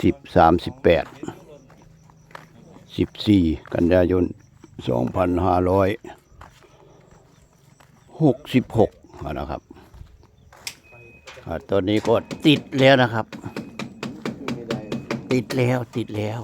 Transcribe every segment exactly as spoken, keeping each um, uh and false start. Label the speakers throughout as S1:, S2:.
S1: สิบสามสิบแปดสิบสี่กันยายนสองพันห้าร้อยหกสิบหกนะครับตอนนี้ก็ติดแล้วนะครับติดแล้วติดแล้ว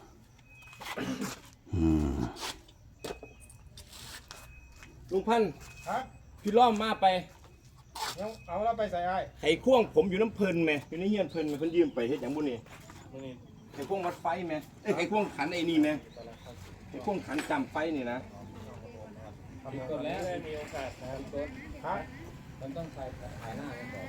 S2: ลุงพันธุ์พี่ล้อมมาไป
S3: เอาแล้วไปใส่ไอ้
S2: ไข่ควงผมอยู่น้ำเพลินไหมอยู่ในเฮียนเพลินไหมเพิ่นยืมไปเฮ็ดอย่างบุญนี่ไข่ควงวัดไฟไหมเอ้ยไข่ควงขันไอ้นี่ไหมไข่ควงขันจำไฟนี่นะ
S3: ต้นแล้วมีโอกาสนะครับต้นฮะมันต้องใส่ถ่ายหน้ากันก่อน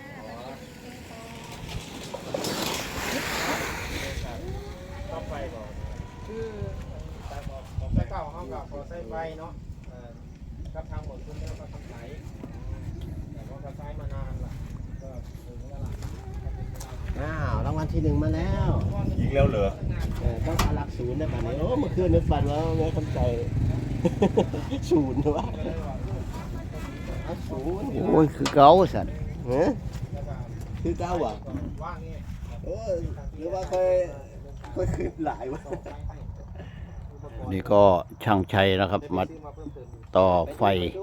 S3: ต้องไฟก่อนคือใส่เก่าห้องกับพอใส่ไฟเนาะกับทางหมดคุณแล้วก็ทำไหนแต่ว่าก็ใช้มานานละก็ถึงแล้วล่ะ
S4: อ้าวรางวัลที่หนึ่งมาแล้ว
S2: ยิงแล้วเหรอ
S4: เออต้องอารักศูนย์นะแบบนี้โอ้เมื่อคืนนึกฝันว่าแม่คำใจศูนย์วะศูนย์
S1: โอ้ยคือเก่าสัน
S4: เฮ้ยคือเก้าอ่ะเออหรือว่าเคยเคยขึ้นหลายวะ
S1: นี่ก็ช่างชัยนะครับมาต่อไฟ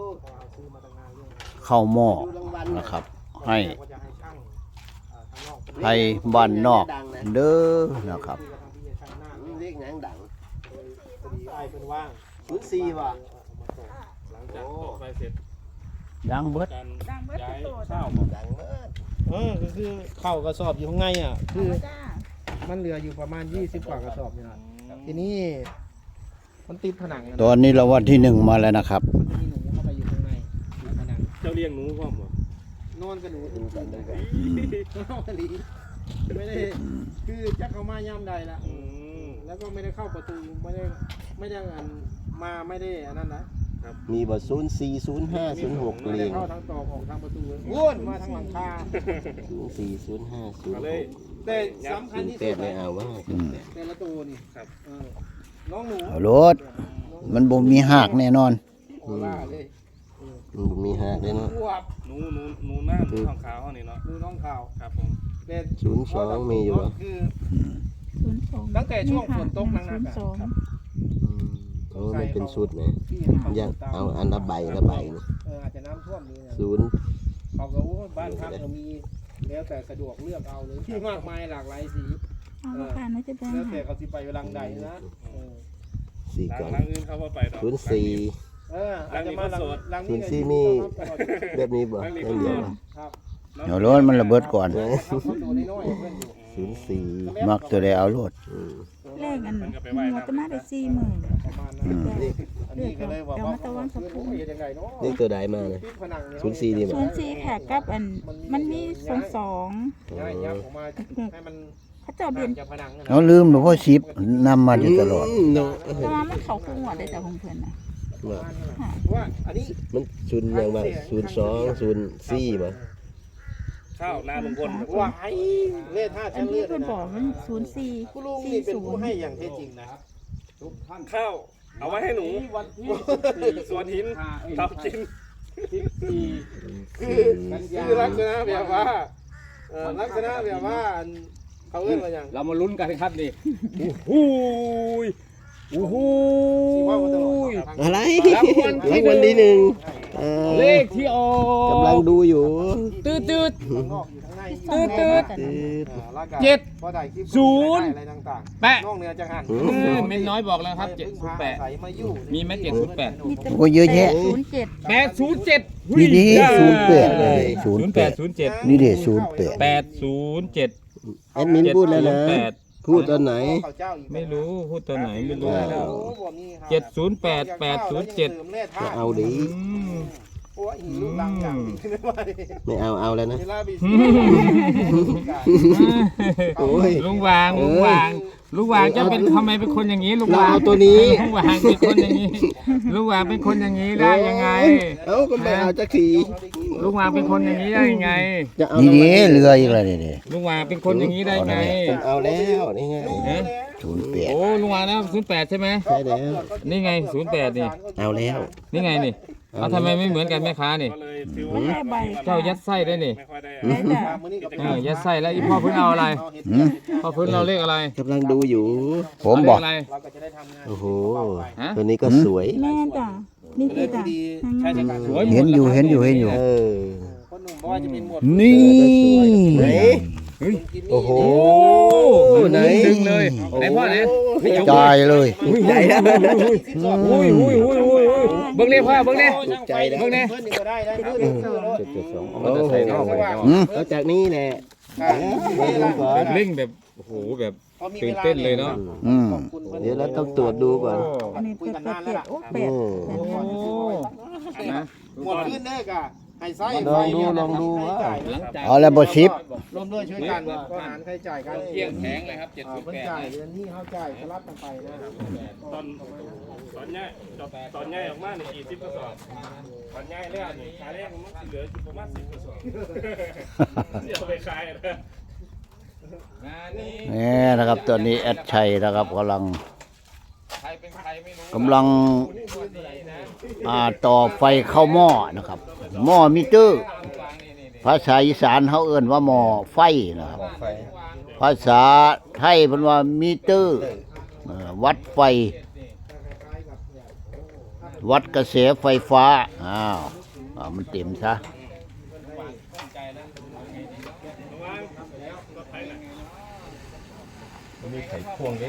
S1: เข้าหม้อนะครับให้ให้บ้านนอกเด้อนะครับ
S4: เรียกนังดัง
S3: ไอ้เป็นว่าง
S4: ศูนย์สี่ว่ะ
S3: หลังจากต่อไฟเสร็จ
S1: ดังเบิด
S3: ดังเบิดย้ายข้าวดังเบิดเออก็คือข้าวกระสอบอยู่ข้างในอ่ะคือมันเหลืออยู่ประมาณยี่สิบกว่ากระสอบเนี่ยทีนี้มันติดผนัง
S1: ตอนนี้เราวันที่หนึ่งมาแล้วนะครับ
S3: มันจะมีหนูเข้าไปอยู่ข้างในติดผนังเจ้าเลี้ยงหนูพร้อมเหรอนอนกับหนูดูกันเลยกันนอนลีไม่ได้คือจะเข้ามาย่ำใดละแล้วก็ไม่ได้เข้าประตูไม่ได้ไม่ได้อันมาไม่ได้อันนั้นนะ
S4: มีบทศูนย์สี่ศูนย์ห้าศูนย์หก
S3: เรียงเข้าทางตอกออกทางประตูวนมาทางหลังคา
S4: ศูนย์สี่ศูนย์ห้าศูนย์หก
S3: แต่สำคัญที่สุด
S4: ไม่เอาว่า
S3: แต่ละตัวนี่ครับน้องหนู
S1: เอารถมันบ่มีหักแน่นอน
S4: มันมีหักเลยเนาะ
S2: หนูหนูหนูหน้าหนูทองขาวนี่เนาะ
S3: หนูน้องขาว
S2: ครับผม
S4: ศูนย์สองมีอยู่เหรอ
S3: ตั้งแต่ช่วงฝนตกหนักๆครับ
S4: โอ้ไม่เป็นชุดนะยังเอาอันละใบละใบนี่
S3: เอออาจจะน้ำท่วมนี่
S4: ศูนย์
S3: เขาก็ว่าบ้านพักเรามีแล้วแต่สะดวกเลือกเอาเลยที่มากมายหลากหลายสีแล้วแต่เขาสิไปรังใดนะ
S4: สี่ก่อน
S2: ศู
S4: นย์สี่
S3: เอออาจจะมาลัง
S4: ศูนย์สี่มีแบบนี้บ่ไม่เดียว
S3: ครับ
S1: เดี๋ยวรถมันระเบิดก่อน
S4: ศูนย์สี่
S1: มักตัวใดเอารถ
S5: เลขอันเราจะมาได้สี่หมื่น
S3: เรียกกันเลยว่าว่า
S4: นี่ตัวใดมาเลยศูนย์สี่ดีมั้ย
S5: ศูนย์สี่แขกกับอันมันมีสองสองเขาเจ้าเดือน
S1: เราลืมหลวงพ่อชิปนำมาอยู่ตลอด
S5: แต่ว่ามันเขาคู่หัวได้แต่ของเพื่อนนะ
S3: ว่าอันนี้
S4: มันศูนย์ยังบ้างศูนย์สองศูนย์สี่มั้ง
S2: ข้าวนาลุงพล
S3: ว่าไอ้เลขห้าชั้นเลือด
S5: เพื่อนบอกมันศูนย์สี่
S3: คุณลุงนี่เป็นผู้ให้อย่างแท้จริงนะ
S2: ข้าวเอาไว้ให้หนูสวนหินทำกิน
S3: คือคือลักษณะแบบว่าลักษณะแบบว่าเขาเรียกว่าอย่าง
S2: เรามาลุ้นกันครับนี่โอ้โหโอ้โห
S4: อะไรรางวัลที่หนึ่ง
S2: เลขที่ออก
S4: กำลังดูอยู่
S2: ตืดตืดตืดตืดเจ็ดศูนย์แปะเม็ดน้อยบอกแล้วครับเจ็ดศูนย์แปดมีไหมเจ็ดศูนย์แปด
S1: โอ้เยอะแยะ
S5: ศูนย์เจ็ด
S2: แปดศูนย์เจ็ด
S1: นี่ดิศูนย์แปดเลยศูนย์แปด
S2: ศูนย์เจ็ด
S1: นี่ดิศูนย์แปด
S2: แปดศูนย์เจ็ด
S4: แอดมินพูดแล้วนะพูดตอนไหน
S2: ไม่รู้พูดตอนไหนไม่รู้เจ็ดศูนย์แปดแปดศูนย์เจ็ด
S4: เอาดิไม่เอาเอาแล้วนะ
S2: โอ้ยลุงวางลุงวางลุงวางจะเป็นทำไมเป็นคนอย่างนี้ลุงวาง
S4: เอาตัวนี้
S2: ลุงวางเป็นคนอย่างนี้ลุงวางเป็นคนอย่างนี้ได้ยังไง
S4: เอ้าก็ไม่เอาจะขี่
S2: ลุงวางเป็นคนอย่างนี้ได้ยังไง
S1: นี่ดิเรืออีกแล้วนี่
S2: ลุงวางเป็นคนอย่างนี้ได้ไง
S4: เอาแล้วนี่ไง
S1: ศูนย์แปด
S2: โอ้ลุงวางนะศูนย์แปดใช่ไหม
S4: ใช่แล้ว
S2: นี่ไงศูนย์แปดนี่
S4: เอาแล้ว
S2: นี่ไงนี่
S4: เ
S2: เอาทำไมไม่เหมือนกันแม่ค้านี่
S6: ก็เลยถือ
S5: ไม่
S6: ว่า
S5: ได้ใบ
S2: เจ้ายัดไส้ได้นี่
S6: ไม่ค่อยได้
S5: ได้จ้ะ
S3: มื้อนี้ก็เป็น
S2: เออยัดไส้แล้วอีพ่อเพิ่นเอาอะไร
S1: หืม
S2: พ่อเพิ่นเราเลขอะไร
S4: กำลังดูอยู่
S1: ผมบอก
S2: เาเลขอะไร
S3: เราก็จะได้ทำงาน
S4: โอ้โห
S2: ฮะ
S4: ตัวนี้ก็สวย
S5: แม่จ้ะนี่
S3: เล
S5: คื
S3: ย
S5: อจ้ะ
S3: ดีใช้ในการ
S2: สวยมด
S1: เห็นอยู่เห็นอยู่เห็นอยู่
S4: เออ
S3: คนหนุ่มบอกว่าจะเป็นหมวด
S1: นี่
S4: ไหน
S3: กิน
S4: โอ้โห
S2: โอ้
S4: ไหน
S2: ดึงเลยไหนพ่อไหน
S1: จ่ายเลย
S4: ใหญ่นะ
S2: อุ้ยอุ้ยอุ้ยอุ้ยอุ้ยเบิ่งนี่พ่อเบิ่งนี่
S4: ถูกใจนะ
S2: เบิ่งนี่
S3: เพื่อนนี่ก็ได้ได้ครับ
S2: เจ็ดเจ็ดสองเอามาใส่นอกไป
S1: หืม
S4: แล้วจากนี้แหละ
S2: แบบเร่งแบบโอ้โหแบบตื่นเต้นเลยเนาะ
S1: อืม
S4: เดี๋ยวเราต้องตรวจดูก่อน
S5: อันนี้เป็ดเป็ดเป็ดโอ้เป็ด
S4: โอ้
S2: นะ
S3: หมดขึ้นเด้อกะให้ไส้
S4: ลองดูลองดูว่า
S2: หลังจาก
S1: เอาแล้วบ่ชิป
S3: รวมด้วยช่วยกันก็หารค่าใช้จ่ายกัน
S2: เที่ยงแข็งเลยครับเจ็ด
S3: อ่า
S2: สิบ
S3: เพิ่น
S2: แปด
S3: จ่ายเดือนนี้เขาจ่ายสลับกันไปนะครับ
S6: ตอนตอนง่ายตอนง่ายออกมาเนี่ยกี่สิบกระสอบตอนง่ายแรกนี่ขายแรกมันเหลืออยู่ประมาณสิบกระสอบเดี๋ยวไปขายนะ
S2: งานนี้
S1: นี่นะครับตอนนี้แอดชัยนะครับกำลัง
S2: ใครเป็นใครไม่รู้
S1: กำลังอ่าต่อไฟเข้าหม้อนะครับหม้อมิเตอร์ ภาษาอีสานเขาเอิ่นว่าหม้อไฟนะครับ ภาษาไทยเพิ่นว่ามิเตอร์เอ่อวัดไฟ วัดกระแสไฟฟ้าอ้าวอ่ามันเต็มซะ
S6: มีไข่ควงด้วย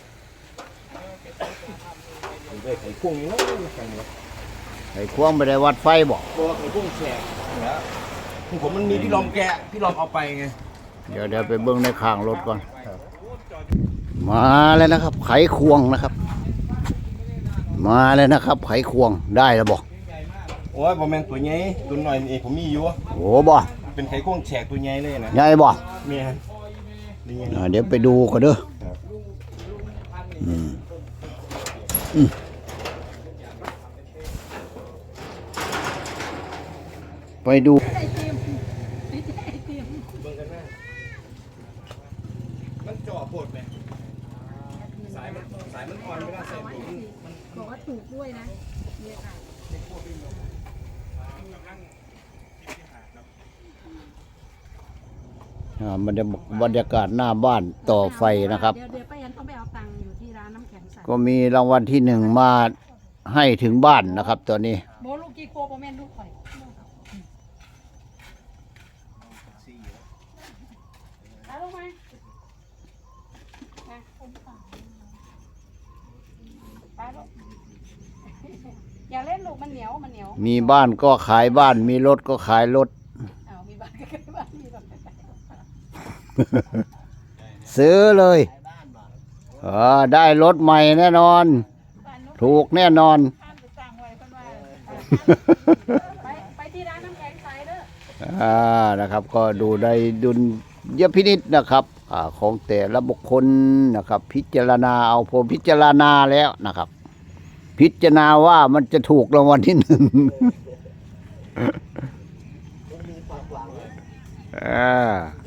S6: มีไข่ควงนี่นะกันวะ
S1: ไอ้ควงไม่ได้วัดไฟบอก
S6: ตัวไข่ควงแฉกแล้วผมมันมีพี่ลอมแกะพี่ลอมเอาไปไง
S1: เดี๋ยวเดี๋ยวไปเบิ้งในข้างรถก่อน มาแล้วนะครับ ไขควงนะครับ มาแล้วนะครับ ไขควงได้แล้วบอก
S6: โอ้ยบอแมนตัวใหญ่ตัวหน่อยเองผมมีอยู่
S1: โอ้บ่
S6: เป็นไข่ควงแฉกตัวใหญ่เลยนะ
S1: ใหญ่บ่
S6: เมียนี่ไง
S1: อ่าเดี๋ยวไปดูกันเด้ออืมอืมไปดู
S6: มันจ่อปวดไหมสายมันสายมันอ่อนเวลาใส่ผม
S5: บอกว่าถูกด้วยนะเนี่ยค่ะ
S1: อ่ามันจะบรรยากาศหน้าบ้านต่อไฟนะครับ
S5: เดี๋ยวเดี๋ยวป้าแอนต้องไปเอาตังค์อยู่ที่ร้านน้ำแข็งใส
S1: ก็มีรางวัลที่หนึ่งมาให้ถึงบ้านนะครับ ตอนนี้
S5: โบลูกกี่โคโบแม่นลูกข่อยเอาลงมามาคนต่างไปลูกอย่าเล่นลูกมันเหนียวมันเหนียว
S1: มีบ้านก็ขายบ้าน มีรถก็ขายรถ
S5: เอามีบ้านใกล้ๆบ้านมีรถใกล้
S1: ซื้อเลยเออได้รถใหม่แน่นอน
S5: ๆบ้านนู้น
S1: ถูกแน่นอน
S5: ข้ามไปสั่งไว้เพิ่นว่าไปไปที่ร้านน้ำแข็งใสเด้อ
S1: อ่านะครับ ก็ดูได้ดุลยพินิจนะครับอ่าของแต่ละบุคคลนะครับ พิจารณาเอาผมพิจารณาแล้วนะครับ พิจารณาว่ามันจะถูกรางวัลที่หนึ่ง อ่า